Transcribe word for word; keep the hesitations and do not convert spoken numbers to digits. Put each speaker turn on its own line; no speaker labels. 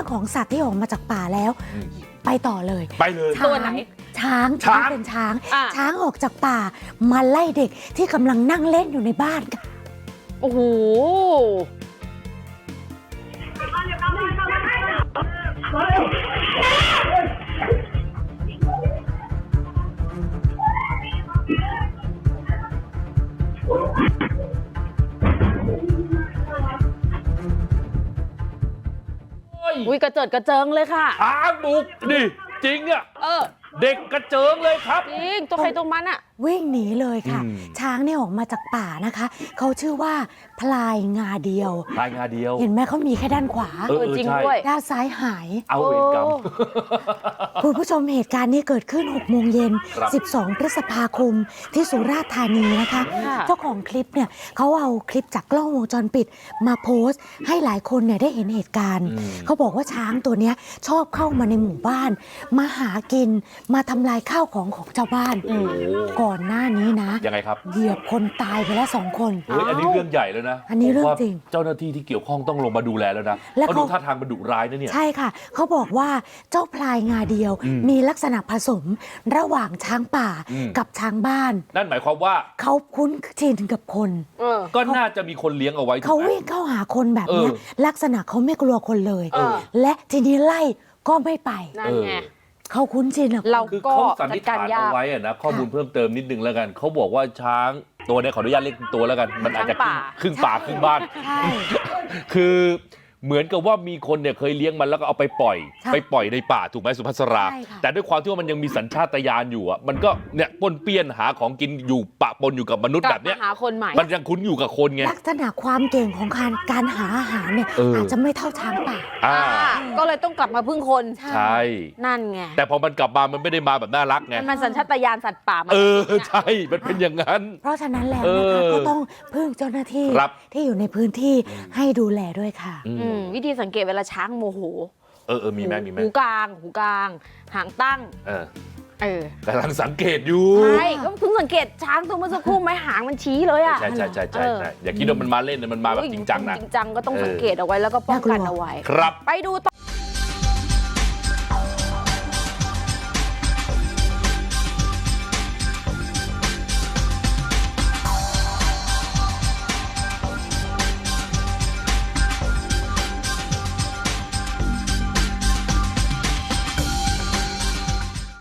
รื่องของสัตว์ที่ออกมาจากป่าแล้วไปต่อเลย
ไปเลย
ตัวไหน
ช้างช้างเป็นช้างช้างออกจากป่ามาไล่เด็กที่กำลังนั่งเล่นอยู่ในบ้านค่ะ
โอ้โหอุ้ยกระเจิดกระเจิงเลยค่ะ
ช้างบุกดิจริงอ่ะ
เออ
เด็กกระเจิงเลยครับ
จริงตัวใครตัวมันอ่ะ
วิ่งหนีเลยค่ะช้างเนี่ยออกมาจากป่านะคะเขาชื่อว่าพลายงาเดียว
พลายงาเดียว
เห็นไหมเขามีแค่ด้านขวา
เออจริงด้วย
ด้านซ้ายหาย
เอาเวรกรรม
คุณผู้ชมเหตุการณ์นี้เกิดขึ้นหกโมงเย็นสิบสองพฤษภาคมที่สุราษฎร์ธานีนะคะเจ้าของคลิปเนี่ยเขาเอาคลิปจากกล้องวงจรปิดมาโพสต์ให้หลายคนเนี่ยได้เห็นเหตุการณ์เขาบอกว่าช้างตัวเนี้ยชอบเข้ามาในหมู่บ้านมาหากินมาทำลายข้าวของของชาวบ้านก่อนหน้านี้นะ
ยังไงครับ
เหยียบคนตายไปแล้วสองคน
เฮ้ยอันนี้เรื่องใหญ่แล้วนะ
อันนี้เรื่องจริง
เจ้าหน้าที่ที่เกี่ยวข้องต้องลงมาดูแลแล้วนะเพราะดูท่าทางมันดุร้ายนะเนี่ย
ใช่ค่ะเขาบอกว่าเจ้าพลายงาเดียวมีลักษณะผสมระหว่างช้างป่ากับช้างบ้าน
นั่นหมายความว่า
เขาคุ้นชินกับคน
ก็น่าจะมีคนเลี้ยงเอาไว้
เขาวิ่งเข้าหาคนแบบนี้ลักษณะเขาไม่กลัวคนเลยและทีนี้ไล่ก็ไม่ไป
นั่นไง
เขาคุ้นชินอะ
เราคือเขาสันนิษฐานเอาไว้อะนะข้อมูลเพิ่มเติมนิดนึงแล้วกันเขาบอกว่าช้างตัวนี้ขออนุญาตเรียกตัวแล้วกันมันอาจจะครึ่งป่าครึ่งบ้านคือเหมือนกับว่ามีคนเนี่ยเคยเลี้ยงมันแล้วก็เอาไปปล่อยไปปล่อยในป่าถูกไหมสุภัสราแต่ด้วยความที่ว่ามันยังมีสัญชาตญาณอยู่อ่ะมันก็เนี่ยปนเปี้ยนหาของกินอยู่ปะปนอยู่กับมนุษย์แบบเนี้ย
หาคนใหม่
มันยังคุ้นอยู่กับคนไง
ลักษณะความเก่งของการการหาอาหารเนี่ยอาจจะไม่เท่าช้างป่า
ก็เลยต้องกลับมาพึ่งคน
ใช่
นั่นไง
แต่พอมันกลับมามันไม่ได้มาแบบน่ารักไง
มันสัญชาตญาณสัตว์ป่า
เออใช่มันเป็นอย่างนั้น
เพราะฉะนั้นแล้วนะคะก็ต้องพึ่งเจ้าหน้าที่ที่อยู่ในพื้นที่ให้ดูแลด้วยค่ะ
วิธีสังเกตเวลาช้างโมโห
เออเออมีไหมมีไหม
หูกลางหูกลางหางตั้ง
เออ
เออก
ำลังสังเกตอยู่
ใช่ก็เพิ่งสังเกตช้างตัวเมื่อสักครู่ไหมหางมันชี้เลยอ่ะ
ใช่ใช่ใช่ใช่อย่าคิดว่ามันมาเล่นนะมันมาแบบจริงจังนะ
จริงจังก็ต้องสังเกตเอาไว้แล้วก็ป้องกันเอาไว้
ครับ
ไปดูต่อ